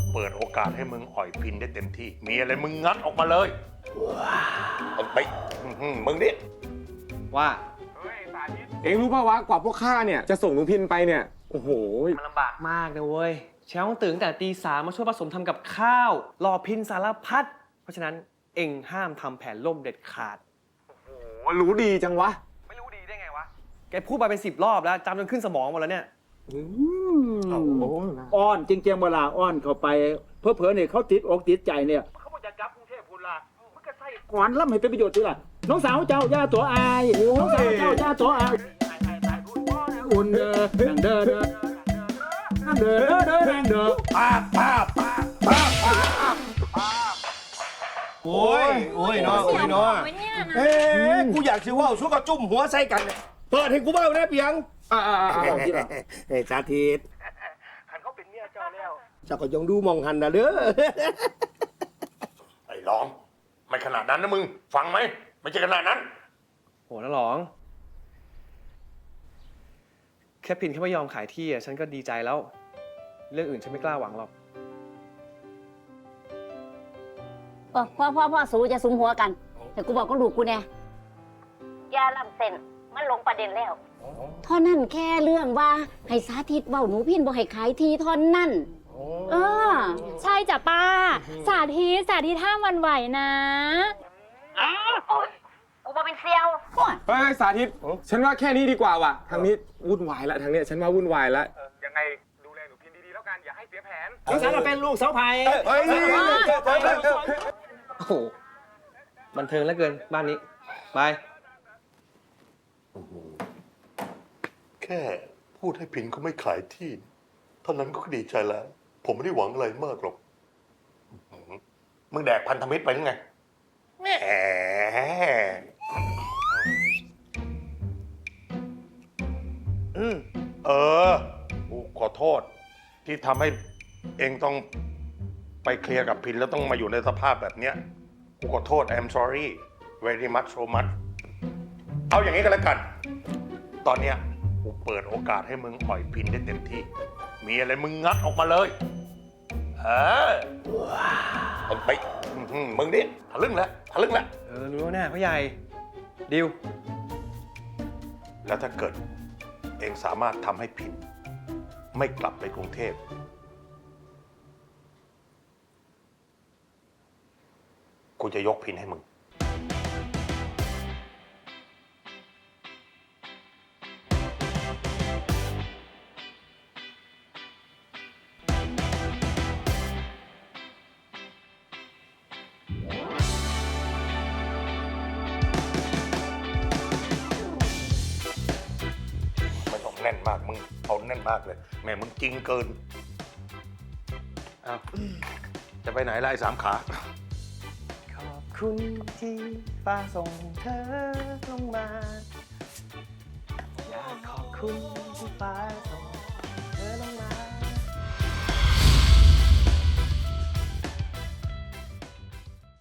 เปิดโอกาสให้มึงอ่อยพินได้เต็มที่ มีอะไรมึงงัดออกมาเลยไปมึงนี่ว่าเองรู้ป่าววะกว่าพวกข้าเนี่ยจะส่งหนูพินไปเนี่ยโอ้โหมันลำบากมากนะเว้ยเช้าต้องตื่นตั้งแต่ตี 3มาช่วยผสมทำกับข้าวรอพินสารพัดเพราะฉะนั้นเอ็งห้ามทำแผนล่มเด็ดขาดโอ้รู้ดีจังวะไม่รู้ดีได้ไงวะแกพูดมาเป็น10 รอบแล้วจำจนขึ้นสมองหมดแล้วเนี่ยอ้อนจริงๆเวลาอ้อนเข้าไปเพื่อเนี่ยเขาติดอกติดใจเนี่ยเขาบอกจะกลับกรุงเทพพูนละมันก็ใส่ขวานล่ำให้เป็นประโยชน์สิล่ะน้องสาวเจ้าย่าตัวอายน้องสาวเจ้าย่าตัวอายอุ่นเด้อดังเด้อเด้อเด้อเด้อดังเด้อป้าโอ้ยเนาะเฮ้ยกูอยากสิว่าสู้กับจุ่มหัวใส่กันเนี่ยเปิดให้กูเบ้าได้เพียงบอกที่ละเฮ้ยสาธิตหันเขาเป็นเมียเจ้าแล้วเจ้าก็ยังดูมองหันนะเด้อไอ้ร้องไม่ขนาดนั้นนะมึงฟังไหมไม่ใช่ขนาดนั้นโหนะหลองแค่พินแค่ไม่ยอมขายที่อ่ะฉันก็ดีใจแล้ว เรื่องอื่นฉันไม่กล้าหวังหรอกพ่อสู้จะสุมหัวกัน แต่กูบอกก็ลูกกูแน่ยาลำเส้นมันลงประเด็นแล้วเท่านั้นแค่เรื่องว่าให้สาธิตเว้าหนูพินบอกให้ขายทีเท่านั้นใช่จ้ะป้า สาธิตห้ามหวันไหวนะกูบอกเป็นเซียวเฮ้ยสาธิตฉันว่าแค่นี้ดีกว่าว่ะทางนี้วุ่นวายละทางเนี้ยฉันว่าวุ่นวายละยังไงดูแลหนูพินดีๆแล้วกันอย่าให้เสียแผนน้องสาวเราเป็นลูกสาวไผ่เฮ้ยโอ้โหบันเทิงเหลือเกินบ้านนี้บายแค่พูดให้พินเขาไม่ขายที่เท่านั้นก็ดีใจแล้ว ผมไม่ได้หวังอะไรมากหรอกมึงแดกพันธมิตรไปหรือไงแหมกูขอโทษที่ทำให้เองต้องไปเคลียร์กับพินแล้วต้องมาอยู่ในสภาพแบบเนี้ยกูขอโทษ I'm sorry very much so much เอาอย่างนี้ก็แล้วกัน ตอนเนี้ยกูเปิดโอกาสให้มึงอ่อยพินได้เต็มที่ มีอะไรมึงงัดออกมาเลยไปมึงดิทะลึ่งแล้วรู้แน่พ่อใหญ่ดิวแล้วถ้าเกิดเองสามารถทำให้พินไม่กลับไปกรุงเทพกูจะยกพินให้มึงแน่นมากมึงเอาแน่นมากเลยแม่มึงจริงเกินเอาจะไปไหนล่ะไอ้สามขาขอบคุณที่ฟ้าส่งเธอลงมาอยากขอบคุณที่ฟ้าส่งเธอลงมา